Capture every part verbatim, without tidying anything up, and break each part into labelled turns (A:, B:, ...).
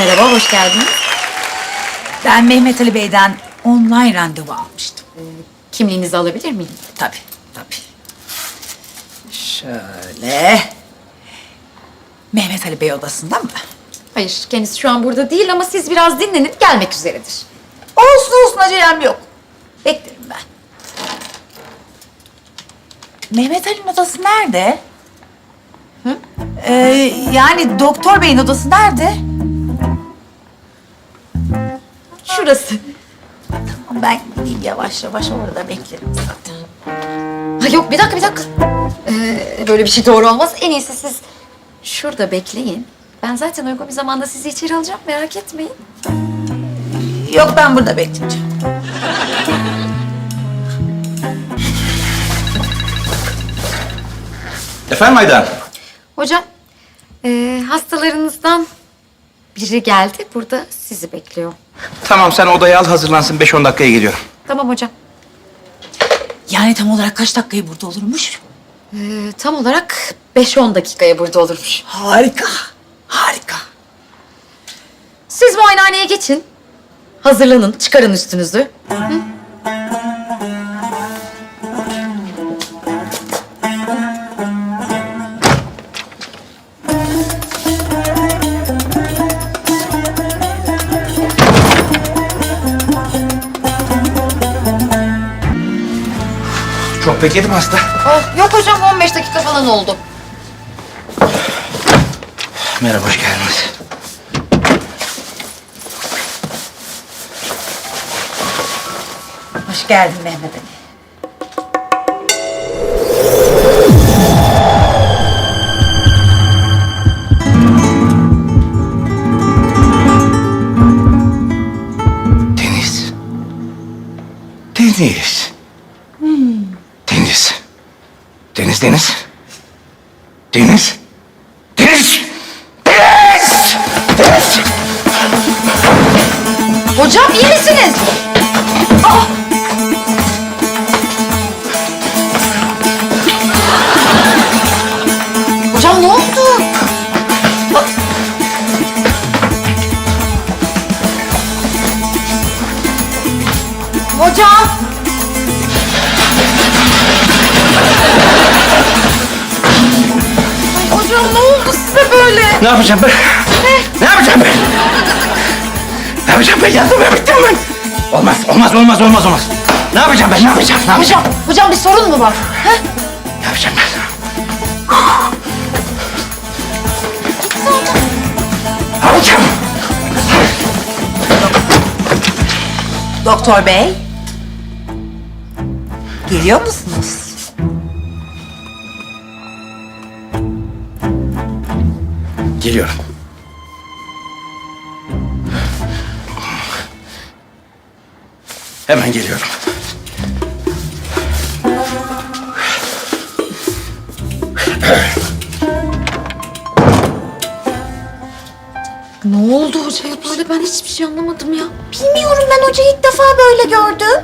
A: Merhaba, hoş geldiniz.
B: Ben Mehmet Ali Bey'den online randevu almıştım.
A: Kimliğinizi alabilir miyim?
B: Tabii, tabii. Şöyle. Mehmet Ali Bey odasında mı?
A: Hayır, kendisi şu an burada değil ama siz biraz dinlenip gelmek üzeredir.
B: Olsun olsun, acelem yok. Beklerim ben. Mehmet Ali'nin odası nerede? Hı? Ee, yani doktor beyin odası nerede?
A: Şurası.
B: Tamam, ben gideyim yavaş yavaş, orada beklerim zaten.
A: Ha yok, bir dakika, bir dakika. Ee, böyle bir şey doğru olmaz. En iyisi siz şurada bekleyin. Ben zaten uygun bir zamanda sizi içeri alacağım, merak etmeyin.
B: Yok, ben burada bekleyeceğim.
C: Efendim Aydan?
A: Hocam, ee, hastalarınızdan biri geldi. Burada sizi bekliyor.
C: Tamam, sen odaya al, hazırlansın. Beş on dakikaya geliyorum.
A: Tamam hocam.
B: Yani tam olarak kaç dakikayı burada olurmuş?
A: Ee, tam olarak beş on dakikaya burada olurmuş.
B: Harika, harika.
A: Siz muayenehaneye geçin. Hazırlanın, çıkarın üstünüzü. Hı?
C: Çok bekledim hasta.
A: Oh, yok hocam, on beş dakika falan oldu.
C: Merhaba, hoş geldiniz.
B: Hoş geldin Mehmet Ali.
C: Deniz. Deniz. Deniz. Deniz, Deniz. Deniz. Deniz. Deniz. Deniz.
A: Hocam iyi misiniz? Aa! Hocam ne oldu? Aa! Hocam! Ay hocam ne oldu size böyle?
C: Ne yapacağım ben? Ne? Ne yapacağım ben? Ne yapacağım ben? Yandım ben, bittim ben. Olmaz, olmaz, olmaz, olmaz, olmaz. Ne yapacağım ben? Ne yapacağım? Ne yapacağım?
A: Hocam, hocam bir sorun mu var? Ha?
C: Ne yapacağım ben? Ne yapacağım?
B: Doktor Bey. Geliyor musunuz?
C: Geliyorum. Hemen geliyorum.
A: Ne oldu hocaya böyle? Ben hiçbir şey anlamadım ya.
B: Bilmiyorum, ben hocayı ilk defa böyle gördüm.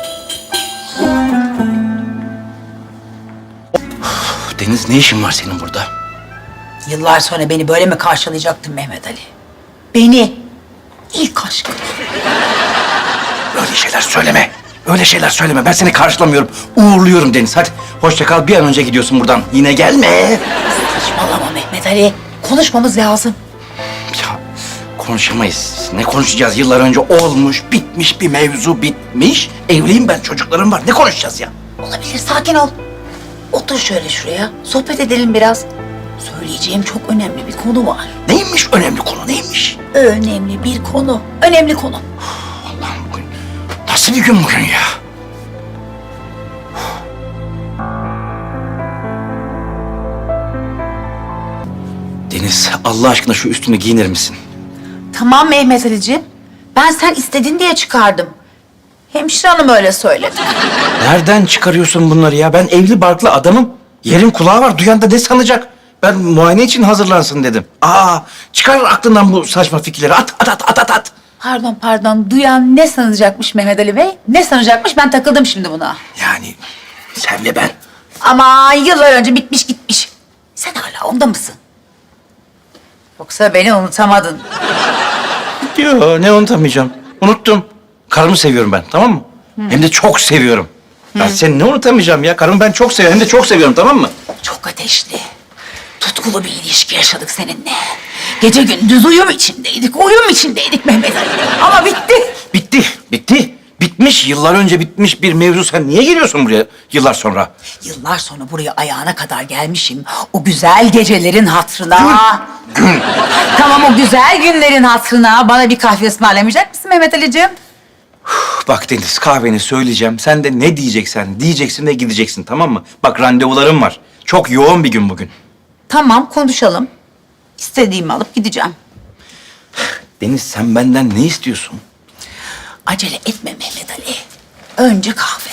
C: Deniz, ne işin var senin burada?
B: Yıllar sonra beni böyle mi karşılayacaktın Mehmet Ali? Beni. İlk aşkım.
C: Öyle şeyler söyleme. Öyle şeyler söyleme. Ben seni karşılamıyorum. Uğurluyorum Deniz. Hadi hoşça kal. Bir an önce gidiyorsun buradan. Yine gelme.
B: Saçmalama Mehmet Ali. Konuşmamız lazım.
C: Ya konuşamayız. Ne konuşacağız? Yıllar önce olmuş, bitmiş bir mevzu bitmiş. Evliyim ben, çocuklarım var. Ne konuşacağız ya?
B: Olabilir, sakin ol. Otur şöyle şuraya. Sohbet edelim biraz. Söyleyeceğim çok önemli bir konu var.
C: Neymiş önemli konu? Neymiş?
B: Önemli bir konu. Önemli konu.
C: Allah'ım, bugün nasıl bir gün bugün ya? Deniz, Allah aşkına şu üstünü giyinir misin?
B: Tamam Mehmet Ali'ciğim. Ben sen istedin diye çıkardım. Hemşire hanım öyle söyledi.
C: Nereden çıkarıyorsun bunları ya? Ben evli barklı adamım. Yerin kulağı var. Duyan da ne sanacak? Ben muayene için hazırlansın dedim. Aa, çıkar aklından bu saçma fikirleri. At, at, at, at, at, at.
B: Pardon pardon, duyan ne sanacakmış Mehmet Ali Bey? Ne sanacakmış? Ben takıldım şimdi buna.
C: Yani sen ve ben.
B: Ama yıllar önce bitmiş gitmiş. Sen hala onda mısın? Yoksa beni unutamadın.
C: Yo, ne unutamayacağım. Unuttum. Karımı seviyorum ben, tamam mı? Hem de çok seviyorum. Ben seni ne unutamayacağım ya? Karımı ben çok seviyorum, hem de çok seviyorum, tamam mı?
B: Çok ateşli, tutkulu bir ilişki yaşadık seninle. Gece gündüz uyum içindeydik, uyum içindeydik Mehmet Ali. Ama bitti.
C: Bitti, bitti. Bitmiş, yıllar önce bitmiş bir mevzu. Sen niye geliyorsun buraya yıllar sonra?
B: Yıllar sonra buraya ayağına kadar gelmişim. O güzel gecelerin hatırına. Tamam, o güzel günlerin hatırına bana bir kahve ısmarlamayacak mısın Mehmet Ali'ciğim?
C: Bak Deniz, kahveni söyleyeceğim. Sen de ne diyeceksen diyeceksin ve gideceksin, tamam mı? Bak randevularım var. Çok yoğun bir gün bugün.
B: Tamam, konuşalım. İstediğimi alıp gideceğim.
C: Deniz, sen benden ne istiyorsun?
B: Acele etme Mehmet Ali. Önce kahve.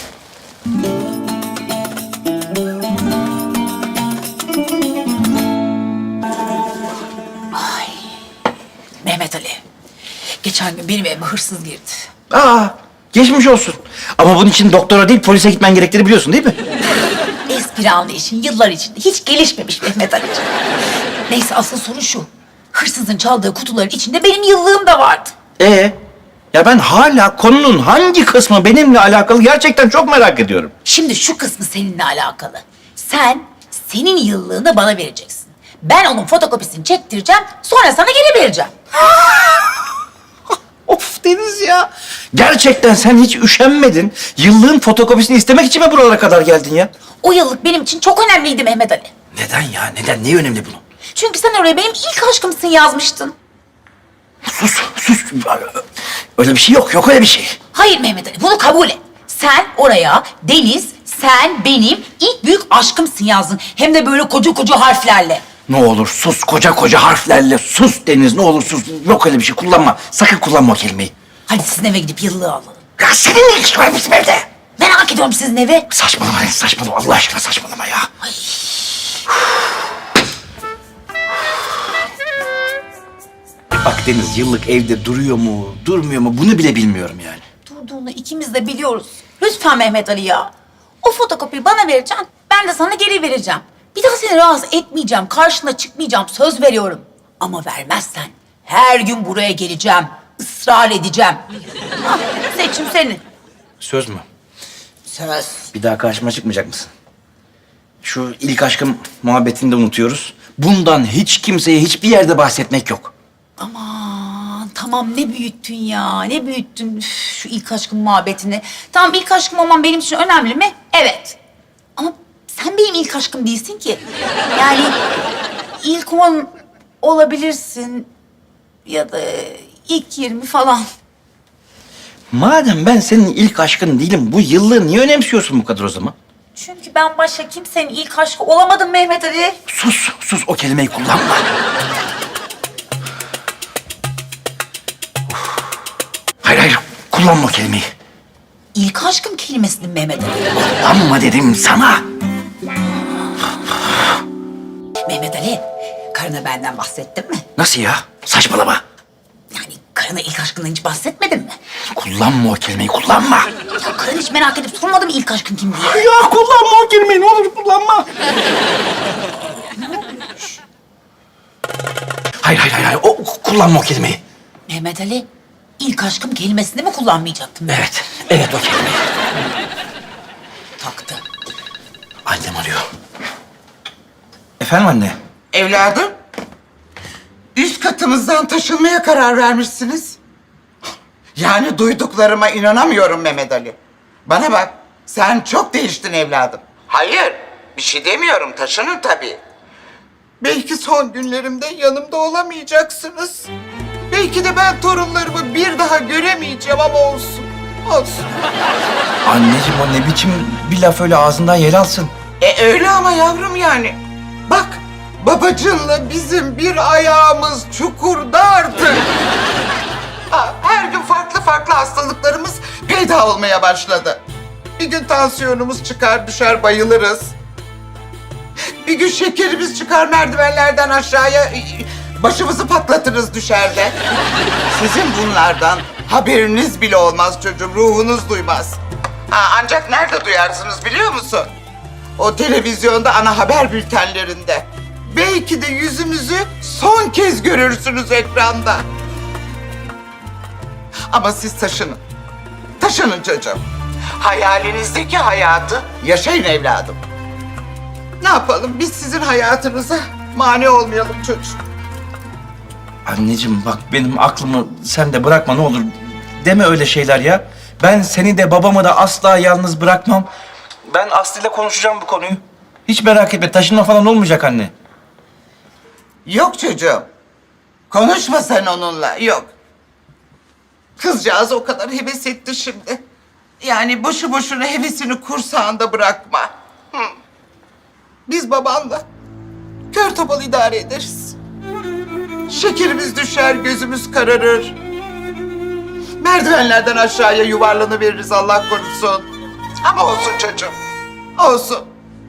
B: Ay. Mehmet Ali. Geçen gün benim evime hırsız girdi.
C: Aa, geçmiş olsun. Ama bunun için doktora değil, polise gitmen gerektiğini biliyorsun değil mi?
B: Espri anlayışın yıllar içinde hiç gelişmemiş Mehmet Ali'ciğim. Neyse, asıl sorun şu. Hırsızın çaldığı kutuların içinde benim yıllığım da vardı.
C: Ee, ya ben hala konunun hangi kısmı benimle alakalı gerçekten çok merak ediyorum.
B: Şimdi şu kısmı seninle alakalı. Sen senin yıllığını bana vereceksin. Ben onun fotokopisini çektireceğim, sonra sana geri vereceğim.
C: Of Deniz ya. Gerçekten sen hiç üşenmedin. Yıllığın fotokopisini istemek için mi buralara kadar geldin ya?
B: O yıllık benim için çok önemliydi Mehmet Ali.
C: Neden ya? Neden? Ne önemli bunun?
B: Çünkü sen oraya benim ilk aşkımsın yazmıştın.
C: Sus, sus. Öyle bir şey yok. Yok öyle bir şey.
B: Hayır Mehmet Ali, bunu kabul et. Sen oraya Deniz, sen benim ilk büyük aşkımsın yazdın. Hem de böyle koca koca harflerle.
C: Ne olur sus, koca koca harflerle sus Deniz, ne olur sus. Yok öyle bir şey, kullanma. Sakın kullanma o kelimeyi.
B: Hadi sizin eve gidip yıllığı alalım.
C: Ya senin ne işin var bizim evde?
B: Merak ediyorum sizin evi.
C: Saçmalama Deniz, saçmalama. Allah aşkına saçmalama ya. Bak Deniz, yıllık evde duruyor mu, durmuyor mu bunu bile bilmiyorum yani.
B: Durduğunu ikimiz de biliyoruz. Lütfen Mehmet Ali ya. O fotokopiyi bana vereceksin, ben de sana geri vereceğim. Bir daha seni rahatsız etmeyeceğim, karşına çıkmayacağım, söz veriyorum. Ama vermezsen her gün buraya geleceğim, ısrar edeceğim. Hah, seçim senin.
C: Söz mü?
B: Söz.
C: Bir daha karşıma çıkmayacak mısın? Şu ilk aşkım muhabbetini de unutuyoruz. Bundan hiç kimseye hiçbir yerde bahsetmek yok.
B: Aman tamam, ne büyüttün ya, ne büyüttün Üf, şu ilk aşkım muhabbetini. Tamam, ilk aşkım olman benim için önemli mi? Evet. Ama sen benim ilk aşkım değilsin ki. Yani ilk on olabilirsin ya da ilk yirmi falan.
C: Madem ben senin ilk aşkın değilim, bu yıllığı niye önemsiyorsun bu kadar o zaman?
B: Çünkü ben başka kimsenin ilk aşkı olamadım Mehmet Ali.
C: Sus, sus o kelimeyi kullanma. Hayır, hayır, kullanma o kelimeyi.
B: İlk aşkım kelimesini Mehmet Ali.
C: Kullanma dedim sana.
B: Mehmet Ali, karına benden bahsettin mi?
C: Nasıl ya? Saçmalama.
B: Yani karına ilk aşkından hiç bahsetmedin mi?
C: Kullanma o kelimeyi, kullanma.
B: Ya karın hiç merak edip sormadı mı ilk aşkın kim diye?
C: Ya kullanma o kelimeyi, ne olur kullanma. Hayır, hayır, hayır, hayır. O, kullanma o kelimeyi.
B: Mehmet Ali, ilk aşkım kelimesini mi kullanmayacaktım ben?
C: Evet, evet o kelimeyi.
B: Taktı.
C: Annem arıyor. Efendim anne?
D: Evladım, üst katımızdan taşınmaya karar vermişsiniz. Yani duyduklarıma inanamıyorum Mehmet Ali. Bana bak, sen çok değiştin evladım. Hayır, bir şey demiyorum, taşının tabii. Belki son günlerimde yanımda olamayacaksınız. Belki de ben torunlarımı bir daha göremeyeceğim ama olsun, olsun.
C: Anneciğim o ne biçim bir laf öyle ağzından yer alsın.
D: E öyle ama yavrum yani. Bak, babacınla bizim bir ayağımız çukurda artık. Ha, her gün farklı farklı hastalıklarımız peyda olmaya başladı. Bir gün tansiyonumuz çıkar düşer bayılırız. Bir gün şekerimiz çıkar merdivenlerden aşağıya başımızı patlatırız düşerde. Sizin bunlardan haberiniz bile olmaz çocuğum, ruhunuz duymaz. Ha, ancak nerede duyarsınız biliyor musun? O televizyonda ana haber bültenlerinde. Belki de yüzümüzü son kez görürsünüz ekranda. Ama siz taşının. Taşının çocuğum. Hayalinizdeki hayatı yaşayın evladım. Ne yapalım? Biz sizin hayatınıza mani olmayalım çocuğum.
C: Anneciğim bak benim aklımı sen de bırakma ne olur. Deme öyle şeyler ya. Ben seni de babamı da asla yalnız bırakmam. Ben Aslı ile konuşacağım bu konuyu. Hiç merak etme taşınma falan olmayacak anne.
D: Yok çocuğum. Konuşma sen onunla. Yok. Kızcağız o kadar heves etti şimdi. Yani boşu boşuna hevesini kursağında bırakma. Hı. Biz babanla kör topal idare ederiz. Şekerimiz düşer, gözümüz kararır. Merdivenlerden aşağıya yuvarlanıveririz Allah korusun. Ama olsun çocuğum, olsun.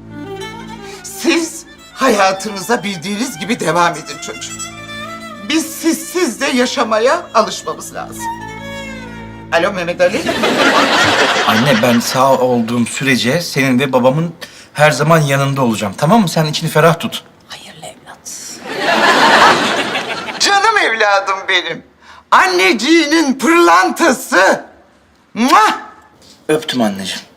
D: Siz hayatınıza bildiğiniz gibi devam edin çocuğum. Biz sizsiz de yaşamaya alışmamız lazım. Alo Mehmet Ali.
C: Anne ben sağ olduğum sürece senin ve babamın her zaman yanında olacağım. Tamam mı? Sen içini ferah tut.
B: Hayırlı evlat.
D: Canım evladım benim. Anneciğinin pırlantası. Muah!
C: Öptüm anneciğim.